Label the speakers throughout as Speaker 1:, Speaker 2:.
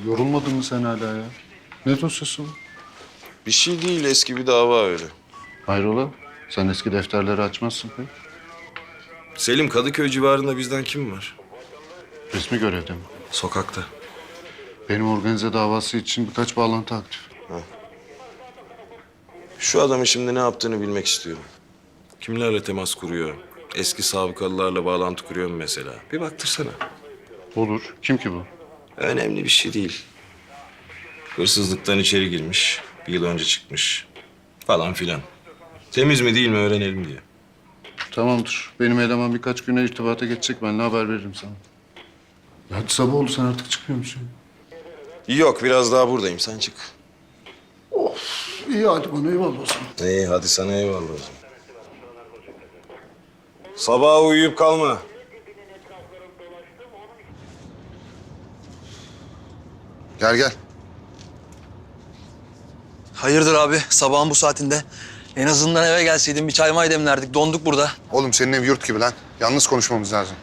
Speaker 1: Yorulmadın mı sen hala ya? Ne dosyası bu?
Speaker 2: Bir şey değil, eski bir dava öyle.
Speaker 1: Hayrola? Sen eski defterleri açmazsın pek.
Speaker 2: Selim, Kadıköy civarında bizden kim var?
Speaker 1: Resmi görevde mi?
Speaker 2: Sokakta.
Speaker 1: Benim organize davası için birkaç bağlantı aktif.
Speaker 2: Şu adamın şimdi ne yaptığını bilmek istiyorum. Kimlerle temas kuruyor? Eski sabıkalılarla bağlantı kuruyor mu mesela? Bir baktırsana.
Speaker 1: Olur. Kim ki bu?
Speaker 2: Önemli bir şey değil. Hırsızlıktan içeri girmiş, bir yıl önce çıkmış falan filan. Temiz mi değil mi öğrenelim diye.
Speaker 1: Tamamdır. Benim eleman birkaç güne irtibata geçecek. Ben haber veririm sana. Ya hadi sabah oldu. Sen artık çıkıyor musun?
Speaker 2: Yok, biraz daha buradayım. Sen çık.
Speaker 1: İyi hadi bana eyvallah o zaman.
Speaker 2: İyi, hadi sana eyvallah o zaman. Sabaha uyuyup kalma.
Speaker 3: Gel gel.
Speaker 4: Hayırdır abi sabahın bu saatinde? En azından eve gelseydin bir çay may demlerdik. Donduk burada.
Speaker 3: Oğlum senin ev yurt gibi lan. Yalnız konuşmamız lazım.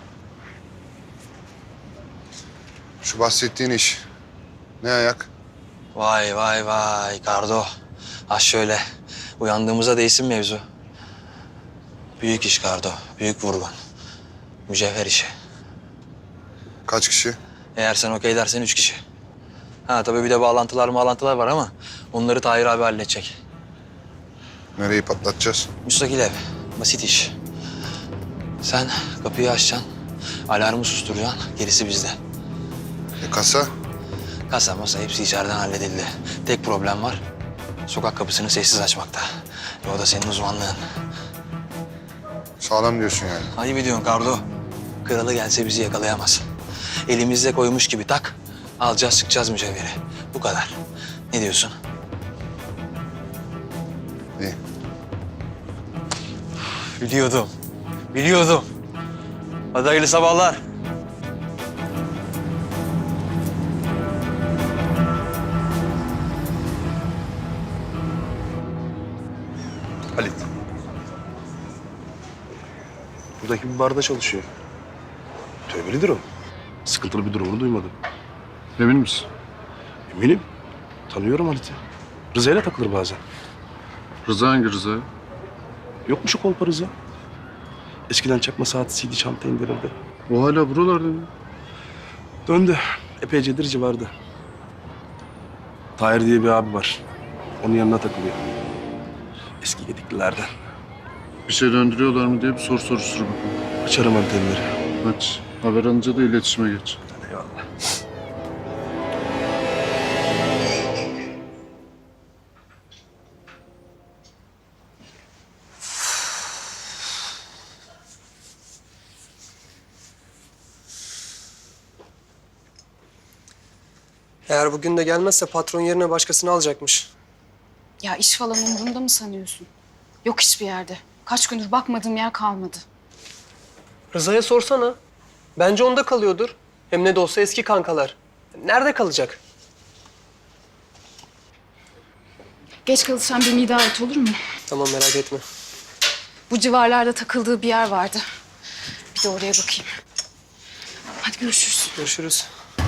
Speaker 3: Şu bahsettiğin iş. Ne ayak?
Speaker 4: Vay vay vay Kardo. Ha şöyle uyandığımıza değsin mevzu. Büyük iş Kardo. Büyük vurgun. Mücevher işi.
Speaker 3: Kaç kişi?
Speaker 4: Eğer sen okey dersen 3 kişi. Ha tabii bir de bağlantılar var ama onları Tahir abi halledecek.
Speaker 3: Nereyi patlatacağız?
Speaker 4: Müstakil ev. Basit iş. Sen kapıyı açacaksın. Alarmı susturacaksın. Gerisi bizde.
Speaker 3: Kasa?
Speaker 4: Kasa masa hepsi içeriden halledildi. Tek problem var. Sokak kapısını sessiz açmakta. O da senin uzmanlığın.
Speaker 3: Sağlam diyorsun yani.
Speaker 4: Ayıp ediyorsun Kardo. Kralı gelse bizi yakalayamaz. Elimizde koymuş gibi tak. Alacağız çıkacağız mücevheri. Bu kadar. Ne diyorsun?
Speaker 3: İyi.
Speaker 4: Biliyordum. Biliyordum. Hadi hayırlı sabahlar.
Speaker 5: Halit. Buradaki bir barda çalışıyor. Tövbelidir o. Sıkıntılı bir durumunu duymadım.
Speaker 1: Emin misin?
Speaker 5: Eminim. Tanıyorum Halit'i. Rıza'yla takılır bazen.
Speaker 1: Rıza hangi Rıza?
Speaker 5: Yok mu şu kolpa Rıza? Eskiden çakma saat CD çanta indirirdi.
Speaker 1: O hala buralarda mı?
Speaker 5: Döndü. Epeycedir civarda. Tahir diye bir abi var. Onun yanına takılıyor. Eski gediklilerden.
Speaker 1: Bir şey döndürüyorlar mı diye bir soruştur bakalım.
Speaker 5: Açarım antenleri.
Speaker 1: Aç. Haber alınca da iletişime geç.
Speaker 5: Eyvallah.
Speaker 6: Eğer bugün de gelmezse patron yerine başkasını alacakmış.
Speaker 7: Ya iş falan umurumda mı sanıyorsun? Yok hiçbir yerde. Kaç gündür bakmadığım yer kalmadı.
Speaker 6: Rıza'ya sorsana. Bence onda kalıyordur. Hem ne de olsa eski kankalar. Nerede kalacak?
Speaker 7: Geç kalırsam beni idare et olur mu?
Speaker 6: Tamam merak etme.
Speaker 7: Bu civarlarda takıldığı bir yer vardı. Bir de oraya bakayım. Hadi görüşürüz.
Speaker 6: Görüşürüz.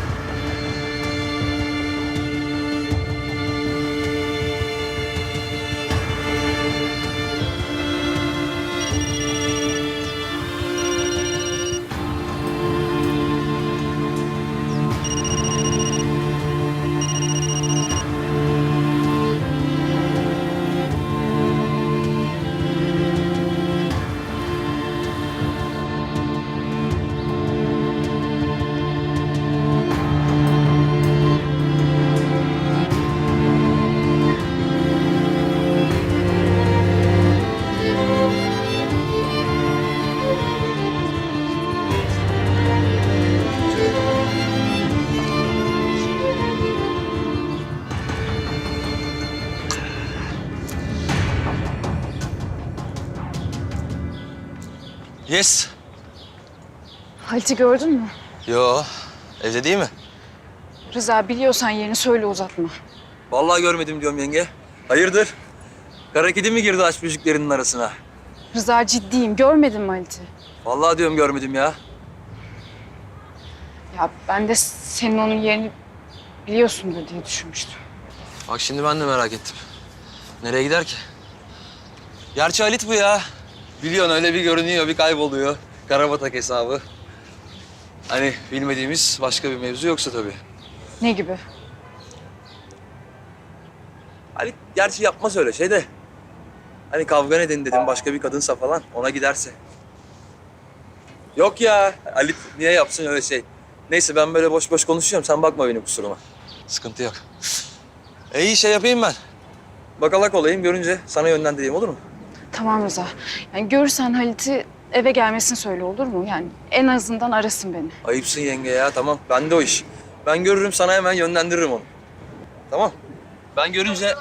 Speaker 4: Yes.
Speaker 7: Halit'i gördün mü?
Speaker 4: Yo. Evde değil mi?
Speaker 7: Rıza biliyorsan yerini söyle uzatma.
Speaker 4: Vallahi görmedim diyorum yenge. Hayırdır? Kara kedi mi girdi aşk müziklerinin arasına?
Speaker 7: Rıza ciddiyim. Görmedin mi Halit'i?
Speaker 4: Vallahi diyorum görmedim ya.
Speaker 7: Ya ben de senin onun yerini biliyorsundur diye düşünmüştüm.
Speaker 4: Bak şimdi ben de merak ettim. Nereye gider ki? Gerçi Halit bu ya. Biliyorsun öyle bir görünüyor, bir kayboluyor. Karabatak hesabı. Hani bilmediğimiz başka bir mevzu yoksa tabii.
Speaker 7: Ne gibi?
Speaker 4: Halit gerçi yapmaz öyle şey de. Hani kavga nedeni dedim başka bir kadınsa falan ona giderse. Yok ya Halit niye yapsın öyle şey. Neyse ben böyle boş boş konuşuyorum sen bakma benim kusuruma. Sıkıntı yok. İyi şey yapayım ben. Bakalak olayım görünce sana yönlendireyim olur mu?
Speaker 7: Tamam Rıza. Yani görürsen Halit'i eve gelmesini söyle olur mu? Yani en azından arasın beni.
Speaker 4: Ayıpsın yenge ya tamam bende o iş. Ben görürüm sana hemen yönlendiririm onu. Tamam. Ben görünce...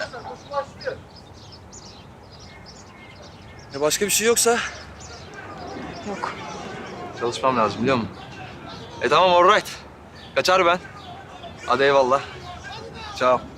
Speaker 4: Başka bir şey yoksa
Speaker 7: Yok.
Speaker 4: çalışmam lazım biliyor musun? Tamam all right. Kaçar ben. Hadi eyvallah. Ciao.